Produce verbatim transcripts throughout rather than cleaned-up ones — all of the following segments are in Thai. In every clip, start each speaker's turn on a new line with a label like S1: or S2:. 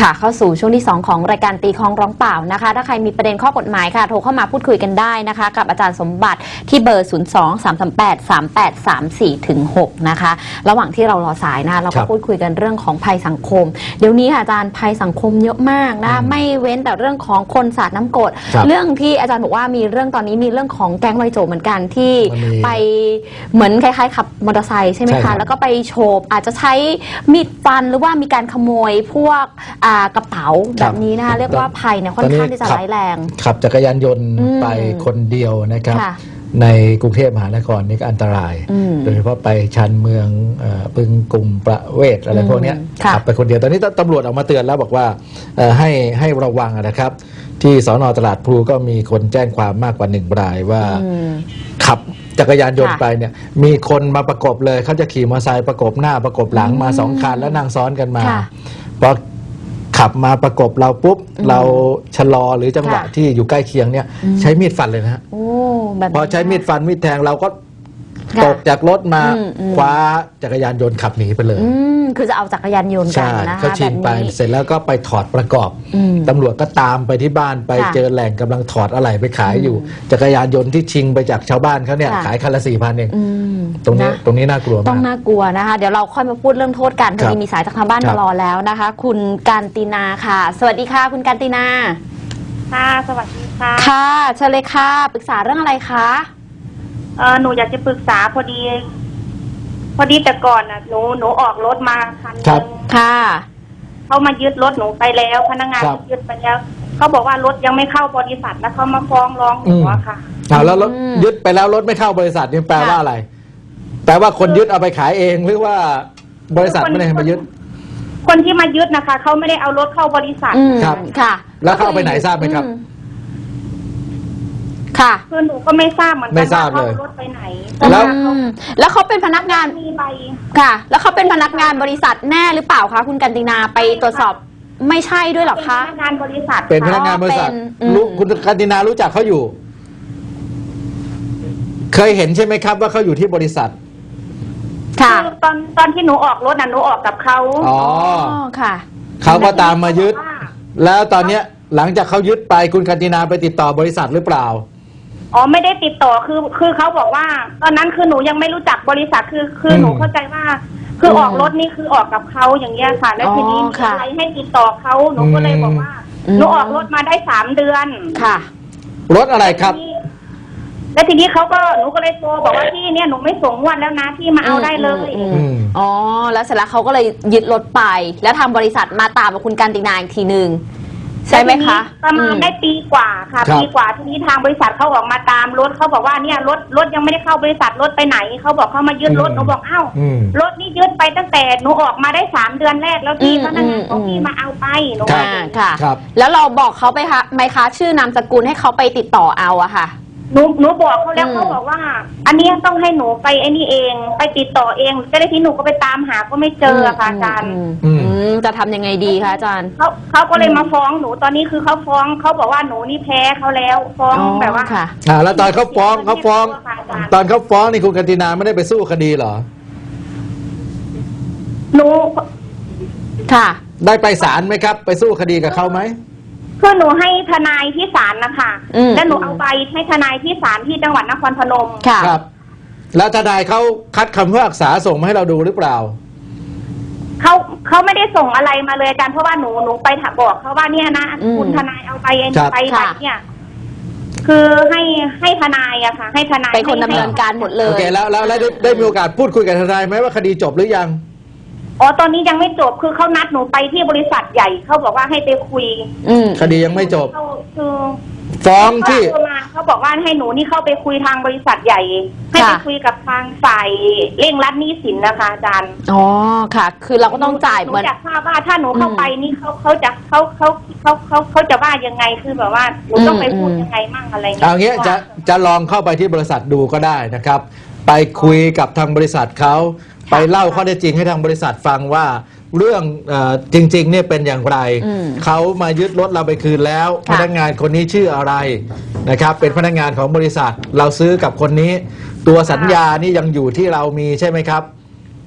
S1: ค่ะเข้าสู่ช่วงที่สองของรายการตีคล้องร้องเปล่านะคะถ้าใครมีประเด็นข้อกฎหมายค่ะโทรเข้ามาพูดคุยกันได้นะคะกับอาจารย์สมบัติที่เบอร์ ศูนย์ สอง สาม สาม แปด สาม แปด สาม สี่ ถึง หก นะคะระหว่างที่เรารอสายนะเราก็พูดคุยกันเรื่องของภัยสังคมเดี๋ยวนี้ค่ะอาจารย์ภัยสังคมเยอะมากนะไม่เว้นแต่เรื่องของคนสาดน้ำกรดเรื่องที่อาจารย์บอกว่ามีเรื่องตอนนี้มีเรื่องของแก๊งวัยโจเหมือนกันที่ไปเหมือนคล้ายๆขับมอเตอร์ไซค์ใช่ไหมคะแล้วก็ไปโฉบอาจจะใช้มีดฟันหรือว่ามีการขโมยพวกกระเป๋าแบบนี้นะคะเรียกว่าภัยเนี่ยค่อนข้างที่จะร้ายแรง
S2: ขับจักรยานยนต์ไปคนเดียวนะครับในกรุงเทพมหานครนี่ก็อันตรายโดยเฉพาะไปชานเมืองบึงกลุ่มประเวศอะไรพวกนี้ขับไปคนเดียวตอนนี้ตำรวจออกมาเตือนแล้วบอกว่าให้ให้ระวังนะครับที่สน.ตลาดพลูก็มีคนแจ้งความมากกว่าหนึ่งรายว่าขับจักรยานยนต์ไปเนี่ยมีคนมาประกบเลยเขาจะขี่มอเตอร์ไซค์ประกบหน้าประกบหลังมาสองคันแล้วนั่งซ้อนกันมาพอขับมาประกบเราปุ๊บเราชะลอหรือจังหวะที่อยู่ใกล้เคียงเนี่ยใช้มีดฟันเลยนะฮะพอใช้มีดฟันมีดแทงเราก็ตกจากรถมาคว้าจักรยานยนต์ขับหนีไปเลย
S1: คือจะเอาจักรยานยนต์กันนะคะ
S2: เขาชิงไปเสร็จแล้วก็ไปถอดประกอบตำรวจก็ตามไปที่บ้านไปเจอแหล่งกำลังถอดอะไหล่ไปขายอยู่จักรยานยนต์ที่ชิงไปจากชาวบ้านเขาเนี่ยขายคันละสี่พันเองตรงนี้ตรงนี้น่ากลัวมาก
S1: ต้องน่ากลัวนะคะเดี๋ยวเราค่อยมาพูดเรื่องโทษกันพอดีมีสายจากทางบ้านมารอแล้วนะคะคุณการตินาค่ะสวัสดีค่ะคุณการตินา
S3: ค่ะสวัสดีค่ะ
S1: ค่ะเชิญเลยค่ะปรึกษาเรื่องอะไรคะ
S3: เออหนูอยากจะปรึกษาพอดีพอดีแต่ก่อนน่ะหนูหนูออกรถมาคันนึง
S1: ค่ะ
S3: เขามายึดรถหนูไปแล้วพนักงานยึดไปแล้วเขาบอกว่ารถยังไม่เข้าบริษัทแล้วเขามาฟ้องร้องหนูอะค่ะ
S2: อ้าวแล้วรถยึดไปแล้วรถไม่เข้าบริษัทนี่แปลว่าอะไรแปลว่าคนยึดเอาไปขายเองหรือว่าบริษัทไม่ได้มายึด
S3: คนที่มายึดนะคะเขาไม่ได้เอารถเข้าบริษัท
S2: ครับ
S1: ค่ะ
S2: แล้วเข้าไปไหนทราบไหมครับ
S1: ค่ะ
S3: คือหนูก็ไม่ทราบเหมือนกันว่าเขารถไปไหน
S1: แล้วแล้วเขาเป็นพนักงานค่ะแล้วเขาเป็นพนักงานบริษัทแน่หรือเปล่าคะคุณกันตินาไปตรวจสอบไม่ใช่ด้วยหรอคะ
S3: เป็นพนักงานบริษัท
S2: เป็นพนักงานบริษัทคุณกันตินารู้จักเขาอยู่เคยเห็นใช่ไหมครับว่าเขาอยู่ที่บริษัท
S1: ค่ะ
S3: ตอนตอนที่หนูออกรถน่ะหนูออกกับเขา
S2: อ๋อ
S1: ค่ะ
S2: เขาก็ตามมายึดแล้วตอนเนี้ยหลังจากเขายึดไปคุณกันตินาไปติดต่อบริษัทหรือเปล่า
S3: อ๋อไม่ได้ติดต่อคือคือเขาบอกว่าตอนนั้นคือหนูยังไม่รู้จักบริษัทคือคือหนูเข้าใจว่าคือออกรถนี่คือออกกับเขาอย่างเงี้ยค่ะแล้วทีนี้มีอะไรให้ติดต่อเขาหนูก็เลยบอกว่าหนูออกรถมาได้สามเดือน
S1: ค่ะ
S2: รถอะไรครับ
S3: แล้วทีนี้เขาก็หนูก็เลยโทรบอกว่าพี่เนี่ยหนูไม่ส่งงวดแล้วนะพี่มาเอาได้เลย
S1: อ๋อแล้วเสร็จแล้วเขาก็เลยยึดรถไปแล้วทางบริษัทมาตามกับคุณกันตินาอีกทีนึงใช่ไหมคะ
S3: ประมาณได้ปีกว่าค่ะปีกว่าทีนี้ทางบริษัทเขาออกมาตามรถเขาบอกว่าเนี่ยรถรถยังไม่ได้เข้าบริษัทรถไปไหนเขาบอกเขามายึดรถหนูบอกอ้าวรถนี่ยึดไปตั้งแต่หนูออกมาได้สามเดือนแรกแล้วพี่พนักงานของพี่มาเอาไปหนู
S1: ว่าค่ะแล้วเราบอกเขาไปคะไหมคะชื่อนามสกุลให้เขาไปติดต่อเอาอะค่ะ
S3: หนูหนูบอกเขาแล้วเขาบอกว่าอันนี้ต้องให้หนูไปไอ้นี่เองไปติดต่อเองจะได้ที่หนูก็ไปตามหาก็ไม่เจอค่ะอาจารย์
S1: จะทำยังไงดีคะอาจารย์
S3: เขาเขาก็เลยมาฟ้องหนูตอนนี้คือเขาฟ้องเขาบอกว่าหนูนี่แพ้เขาแล้วฟ้องแบบว่า
S1: ค่ะ
S2: อ่าแล้วตอนเขาฟ้องเขาฟ้องตอนเขาฟ้องนี่คุณกันตินาไม่ได้ไปสู้คดีเหรอ
S3: หนู
S1: ค่ะ
S2: ได้ไปศาลไหมครับไปสู้คดีกับเขาไหม
S3: คือหนูให้ทนายที่ศาลนะคะแล้วหนูเอาใบให้ทนายที่ศาลที่จังหวัดนครพนม
S2: ครับแล้วทนายเขาคัดคำพิพากษาส่งมาให้เราดูหรือเปล่า
S3: เขาเขาไม่ได้ส่งอะไรมาเลยอาจารย์เพราะว่าหนูหนูไปบอกเขาว่าเนี่ยนะคุณทนายเอาไปไปไปเนี่ยคือให้ให้ทนายอะค่ะให้ทนาย
S1: เป็นคนดำเนินการหมดเลย
S2: โอเคแล้วแล้วได้ได้มีโอกาสพูดคุยกับทนายไหมว่าคดีจบหรือยัง
S3: อ๋อตอนนี้ยังไม่จบคือเขานัดหนูไปที่บริษัทใหญ่เขาบอกว่าให้ไปคุย
S2: คดียังไม่จบ
S3: คือ
S2: ฟ้องที่
S3: เขาบอกว่าให้หนูนี่เข้าไปคุยทางบริษัทใหญ่ให้ไปคุยกับทางฝ่ายเร่งรัดหนี้สินนะคะอาจารย์
S1: อ๋อค่ะคือเราก็ต้องจ่ายเหมือน
S3: อยากทราบว่าถ้าหนูเข้าไปนี่เขาเขาจะเขาเขาเขาเขาเขาจะว่ายังไงคือแบบว่าหนูต้องไปพูดยังไงมั่งอะไรเงี้ย
S2: เอางี้จะจะลองเข้าไปที่บริษัทดูก็ได้นะครับไปคุยกับทางบริษัทเขาไปเล่าข้อเท็จจริงให้ทางบริษัทฟังว่าเรื่องจริงๆเนี่ยเป็นอย่างไรเขามายึดรถเราไปคืนแล้วพนักงานคนนี้ชื่ออะไรนะครับเป็นพนักงานของบริษัทเราซื้อกับคนนี้ตัวสัญญานี่ยังอยู่ที่เรามีใช่ไหมครับ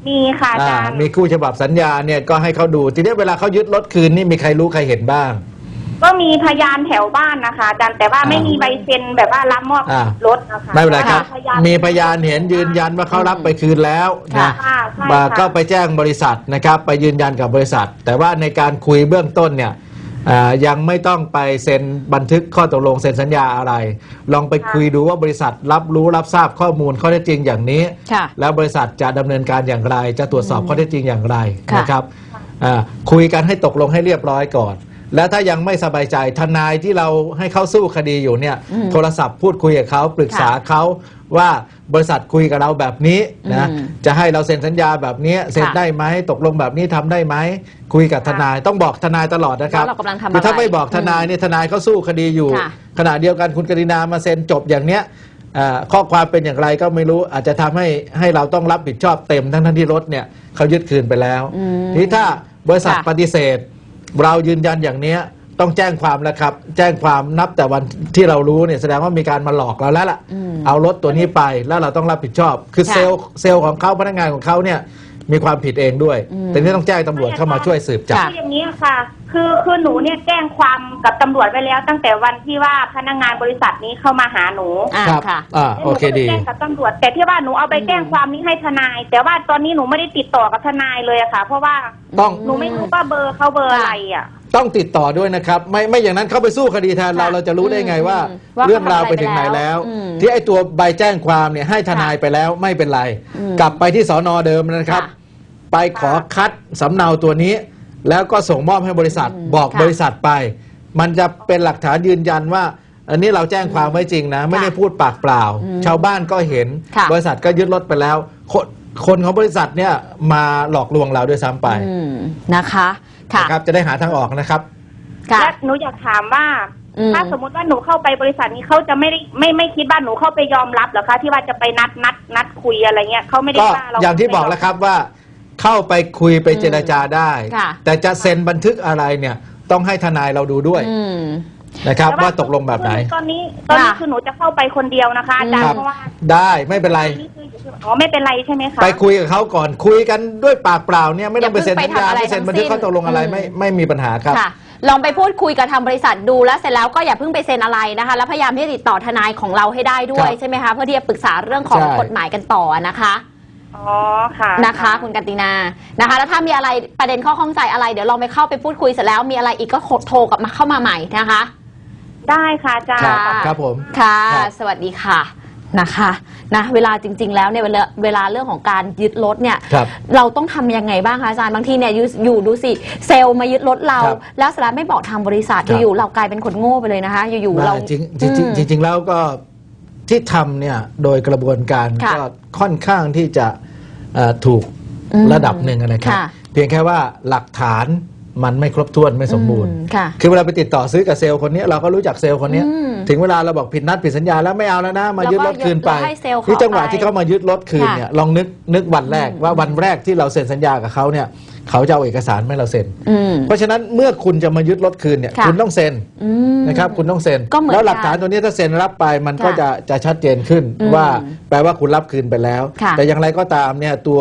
S3: มีค่ะอาจารย์
S2: มีคู่ฉบับสัญญาเนี่ยก็ให้เขาดูทีนี้เวลาเขายึดรถคืนนี่มีใครรู้ใครเห็นบ้าง
S3: ก็มีพยานแถวบ้านนะคะอาจารย์แต่ว่าไม่มีใบเซ็นแบบว่ารับมอบรถนะคะ
S2: ไม่เป็นไรครับมีพยานเห็นยืนยันว่าเขารับไปคืนแล้วนะก็ไปแจ้งบริษัทนะครับไปยืนยันกับบริษัทแต่ว่าในการคุยเบื้องต้นเนี่ยยังไม่ต้องไปเซ็นบันทึกข้อตกลงเซ็นสัญญาอะไรลองไปคุยดูว่าบริษัทรับรู้รับทราบข้อมูลข้อเท็จจริงอย่างนี้แล้วบริษัทจะดำเนินการอย่างไรจะตรวจสอบข้อเท็จจริงอย่างไรนะครับคุยกันให้ตกลงให้เรียบร้อยก่อนแล้วถ้ายังไม่สบายใจทนายที่เราให้เขาสู้คดีอยู่เนี่ยโทรศัพท์พูดคุยกับเขาปรึกษาเขาว่าบริษัทคุยกับเราแบบนี้นะจะให้เราเซ็นสัญญาแบบนี้เซ็นได้ไหมตกลงแบบนี้ทำได้ไหมคุยกับทนายต้องบอกทนายตลอดนะครับคือถ้าไม่บอกทนายเนี่ยทนายเขาสู้คดีอยู่ขณะเดียวกันคุณกฤนามาเซ็นจบอย่างเนี้ยข้อความเป็นอย่างไรก็ไม่รู้อาจจะทำให้ให้เราต้องรับผิดชอบเต็มทั้งทั้งที่รถเนี่ยเขายึดคืนไปแล้วทีนี้ถ้าบริษัทปฏิเสธเรายืนยันอย่างนี้ต้องแจ้งความแล้วครับแจ้งความนับแต่วันที่เรารู้เนี่ยแสดงว่ามีการมาหลอกเราแล้วล่ะเอารถตัวนี้ไปแล้วเราต้องรับผิดชอบคือเซลล์เซลล์ของเขาพนักงานของเขาเนี่ยมีความผิดเองด้วยแต่นี่ต้องแจ้งตำรวจเข้ามาช่วยสืบจับ
S3: คืออย่างนี้ค่ะคือคือหนูเนี่ยแจ้งความกับตำรวจไว้แล้วตั้งแต่วันที่ว่าพนักงานบริษัทนี้เข้ามาหาหนู
S2: ครับอ่าโอเคดี
S3: แจ้งกับตำรวจแต่ที่ว่าหนูเอาไปแจ้งความนี้ให้ทนายแต่ว่าตอนนี้หนูไม่ได้ติดต่อกับทนายเลยอะค่ะเพราะว่า
S2: ต้อง
S3: หนูไม่รู้ว่าเบอร์เขาเบอร์อะไรอะ
S2: ต้องติดต่อด้วยนะครับไม่ไม่อย่างนั้นเขาไปสู้คดีแทนเราเราจะรู้ได้ไงว่าเรื่องราวไปถึงไหนแล้วที่ไอ้ตัวใบแจ้งความเนี่ยให้ทนายไปแล้วไม่เป็นไรกลับไปที่สน.เดิมนะครับไปขอคัดสำเนาตัวนี้แล้วก็ส่งมอบให้บริษัทบอกบริษัทไปมันจะเป็นหลักฐานยืนยันว่าอันนี้เราแจ้งความไว้จริงนะไม่ได้พูดปากเปล่าชาวบ้านก็เห็นบริษัทก็ยึดรถไปแล้วคนคนของบริษัทเนี่ยมาหลอกลวงเราด้วยซ้ำไป
S1: นะคะ
S2: นะครับจะได้หาทางออกนะครับ
S3: และหนูอยากถามว่าถ้าสมมติว่าหนูเข้าไปบริษัทนี้เขาจะไม่ได้ไม่ไม่คิดว่าหนูเข้าไปยอมรับหรอคะที่ว่าจะไปนัดนัดนัดคุยอะไรเงี้ยเขาไม่ได้ว่าเรา
S2: อย่างที่บอกแล้วครับว่าเข้าไปคุยไปเจรจาได้แต่จะเซ็นบันทึกอะไรเนี่ยต้องให้ทนายเราดูด้วยนะครับว่าตกลงแบบไหน
S3: ตอนนี้ตอนนี้คือหนูจะเข้าไปคนเดียวนะคะอาจารย์เพราะว่า
S2: ได้ไม่เป็นไร
S3: อ๋อไม่เป็นไรใช่ไหมคะ
S2: ไปคุยกับเขาก่อนคุยกันด้วยปากเปล่าเนี่ยไม่ต้องไปเซ็นสัญญาไม่เซ็นบันทึกข้อตกลงอะไรไม่ไม่มีปัญหาครับ
S1: ลองไปพูดคุยกับทางบริษัทดูแล้วเสร็จแล้วก็อย่าเพิ่งไปเซ็นอะไรนะคะแล้วพยายามที่จะติดต่อทนายของเราให้ได้ด้วยใช่ไหมคะเพื่อที่จะปรึกษาเรื่องของกฎหมายกันต่อนะคะ
S3: อ๋อค่ะ
S1: นะคะคุณกันตินานะคะแล้วถ้ามีอะไรประเด็นข้อข้องใจอะไรเดี๋ยวลองไปเข้าไปพูดคุยเสร็จแล้วมีอะไรอีกก็โทรกลับมาเข้ามาใหม่นะคะ
S3: ได้ค่ะอาจารย์
S2: ครับผม
S1: ค่ะสวัสดีค่ะนะคะนะเวลาจริงๆแล้วเนี่ยเวลาเวลาเรื่องของการยึดรถเนี่ยเราต้องทำยังไงบ้างคะอาจารย์บางทีเนี่ยอยู่ดูสิเซลล์มายึดรถเราแล้วสาระไม่บอกทางบริษัทอยู่ๆเรากลายเป็นคนโง่ไปเลยนะคะอยู่ๆเรา
S2: จริงจริงจริงแล้วก็ที่ทำเนี่ยโดยกระบวนการก็ค่อนข้างที่จะถูกระดับหนึ่งนะครับเพียงแค่ว่าหลักฐานมันไม่ครบถ้วนไม่สมบูรณ์คือเวลาไปติดต่อซื้อกับเซลล์คนนี้เราก็รู้จักเซลล์คนนี้ถึงเวลาเราบอกผิดนัดผิดสัญญาแล้วไม่เอาแล้วนะมายึดรถคืนไปที่จังหวะที่เขามายึดรถคืนเนี่ยลองนึกนึกวันแรกว่าวันแรกที่เราเซ็นสัญญากับเขาเนี่ยเขาจะเอาเอกสารไม่เราเซ็นเพราะฉะนั้นเมื่อคุณจะมายึดรถคืนเนี่ยคุณต้องเซ็นนะครับคุณต้องเซ็นแล้วหลักฐานตัวนี้ถ้าเซ็นรับไปมันก็จะจะชัดเจนขึ้นว่าแปลว่าคุณรับคืนไปแล้วแต่อย่างไรก็ตามเนี่ยตัว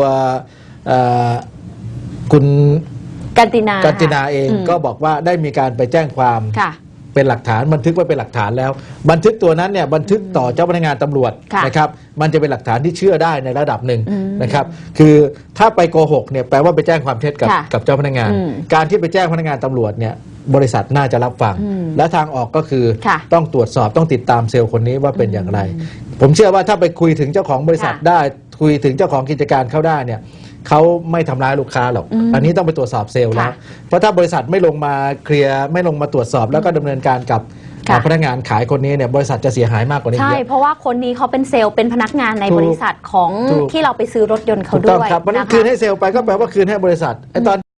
S2: คุณ
S1: กันตินา
S2: กันตินาเองก็บอกว่าได้มีการไปแจ้งความเป็นหลักฐานบันทึกไว้เป็นหลักฐานแล้วบันทึกตัวนั้นเนี่ยบันทึกต่อเจ้าพนักงานตำรวจนะครับมันจะเป็นหลักฐานที่เชื่อได้ในระดับหนึ่งนะครับคือถ้าไปโกหกเนี่ยแปลว่าไปแจ้งความเท็จกับกับเจ้าพนักงานการที่ไปแจ้งพนักงานตำรวจเนี่ยบริษัทน่าจะรับฟังและทางออกก็คือต้องตรวจสอบต้องติดตามเซลล์คนนี้ว่าเป็นอย่างไรผมเชื่อว่าถ้าไปคุยถึงเจ้าของบริษัทได้คุยถึงเจ้าของกิจการเขาได้เนี่ยเขาไม่ทำร้ายลูกค้าหรอกอันนี้ต้องไปตรวจสอบเซลล์แล้วเพราะถ้าบริษัทไม่ลงมาเคลียร์ไม่ลงมาตรวจสอบแล้วก็ดำเนินการกับพนักงานขายคนนี้เนี่ยบริษัทจะเสียหายมากกว่านี้
S1: ใช่เพราะว่าคนนี้เขาเป็นเซลล์เป็นพนักงานในบริษัทของที่เราไปซื้อรถยนต์เขาด้วย
S2: ถูกต้องครับมันคืนให้เซลล์ไปก็แปลว่าคืนให้บริษัทไอ้ตอน